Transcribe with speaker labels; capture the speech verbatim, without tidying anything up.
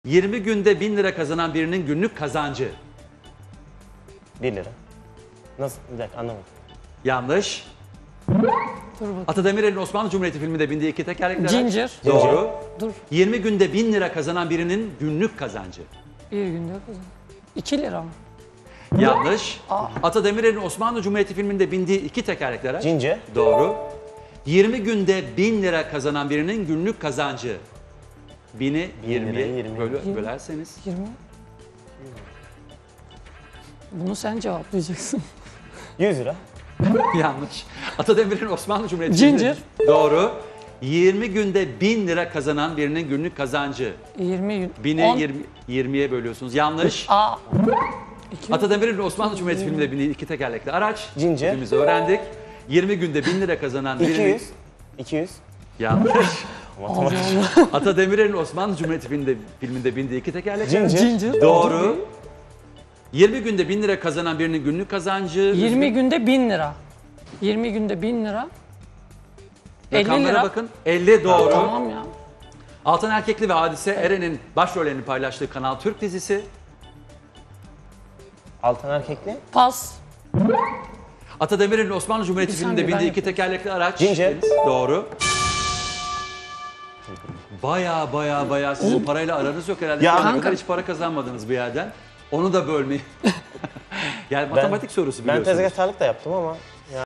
Speaker 1: yirmi günde bin lira kazanan birinin günlük kazancı.
Speaker 2: bir lira. Nasıl? Bir dakika anlamadım.
Speaker 1: Yanlış.
Speaker 3: Dur bakayım.
Speaker 1: Ata Demirer'in Osmanlı Cumhuriyeti filminde bindiği iki tekerlekli araç.
Speaker 3: Ginger.
Speaker 1: Doğru.
Speaker 3: Dur.
Speaker 1: yirmi günde bin lira kazanan birinin günlük kazancı.
Speaker 3: Bir günde kazan. iki lira mı?
Speaker 1: Yanlış. Ata Demirer'in Osmanlı Cumhuriyeti filminde bindiği iki tekerlekli araç.
Speaker 2: Cince.
Speaker 1: Doğru. yirmi günde bin lira kazanan birinin günlük kazancı. Bini yirmiye
Speaker 2: yirmi.
Speaker 1: bölü, bölerseniz.
Speaker 3: yirmi. Bunu sen cevaplayacaksın.
Speaker 2: yüz lira.
Speaker 1: Yanlış. Ata Demirer'in Osmanlı Cumhuriyeti
Speaker 3: Ginger.
Speaker 1: filminde- Doğru. yirmi günde bin lira kazanan birinin günlük kazancı.
Speaker 3: yirmi gün.
Speaker 1: Bini
Speaker 3: on.
Speaker 1: yirmi, yirmiye bölüyorsunuz. Yanlış.
Speaker 3: Aa. İki.
Speaker 1: Ata Demirer'in Osmanlı Cumhuriyeti filminde bindiği iki tekerlekli araç.
Speaker 2: Ginger.
Speaker 1: Hepimiz öğrendik. yirmi günde bin lira kazanan birinin...
Speaker 2: iki yüz. iki yüz.
Speaker 1: Yanlış.
Speaker 2: Matematik.
Speaker 1: Ata Demirer'in Osmanlı Cumhuriyeti filminde, filminde bindiği iki tekerlekli araç.
Speaker 2: Ginger.
Speaker 3: Ginger.
Speaker 1: Doğru. yirmi günde bin lira kazanan birinin günlük kazancı...
Speaker 3: yirmi günde bin lira. yirmi günde bin lira. elli
Speaker 1: Rakamlara
Speaker 3: lira.
Speaker 1: bakın. elli doğru.
Speaker 3: Tamam ya.
Speaker 1: Altan Erkekli ve Hadise Eren'in başrollerini paylaştığı Kanal Türk dizisi.
Speaker 2: Altan Erkekli.
Speaker 3: Pas.
Speaker 1: Ata Demirer'in Osmanlı Cumhuriyeti
Speaker 3: Bir
Speaker 1: filminde
Speaker 3: saniye, ben
Speaker 1: bindiği iki tekerlekli araç.
Speaker 2: Ginger.
Speaker 1: Deniz, doğru. Baya baya baya sizin parayla aranız yok herhalde.
Speaker 2: Ya
Speaker 1: Şu ana
Speaker 3: kanka.
Speaker 1: kadar hiç para kazanmadınız bir yerden. Onu da bölmeyin. Yani matematik sorusu
Speaker 2: Ben
Speaker 1: biliyorsunuz.
Speaker 2: tezgahtarlık da yaptım ama